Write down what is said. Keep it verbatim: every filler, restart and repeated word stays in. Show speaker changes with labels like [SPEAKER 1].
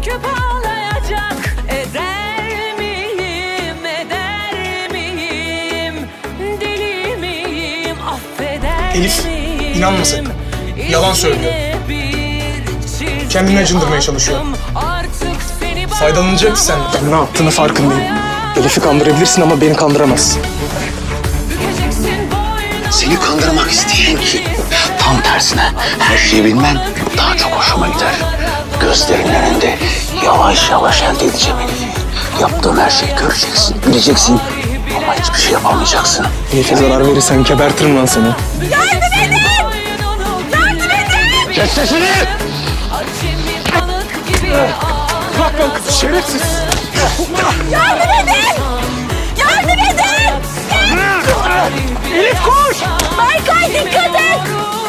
[SPEAKER 1] döküp ağlayacak. Eder miyim, eder miyim? Deli miyim, affeder
[SPEAKER 2] Elif,
[SPEAKER 1] miyim?
[SPEAKER 2] inanma sakın. Yalan söylüyor. Kendini acındırmaya çalışıyor. Faydalanacak senden. Ne yaptığını farkındayım. Elif'i kandırabilirsin ama beni kandıramazsın.
[SPEAKER 3] Seni kandırmak isteyen ki tam tersine her şeyi bilmen daha çok hoşuma gider. Gözlerinin önünde yavaş yavaş elde edeceğim Elif'i. Yaptığım her şeyi göreceksin, bileceksin ama hiçbir şey yapamayacaksın.
[SPEAKER 2] Elif'e zarar verirsen gebertirim lan seni.
[SPEAKER 1] Yardım edin! Yardım edin!
[SPEAKER 3] Kes sesini!
[SPEAKER 2] Bırak lan kızı şerefsiz.
[SPEAKER 1] Yardım edin! Yardım edin!
[SPEAKER 2] Elif koş!
[SPEAKER 1] Berkay dikkat et!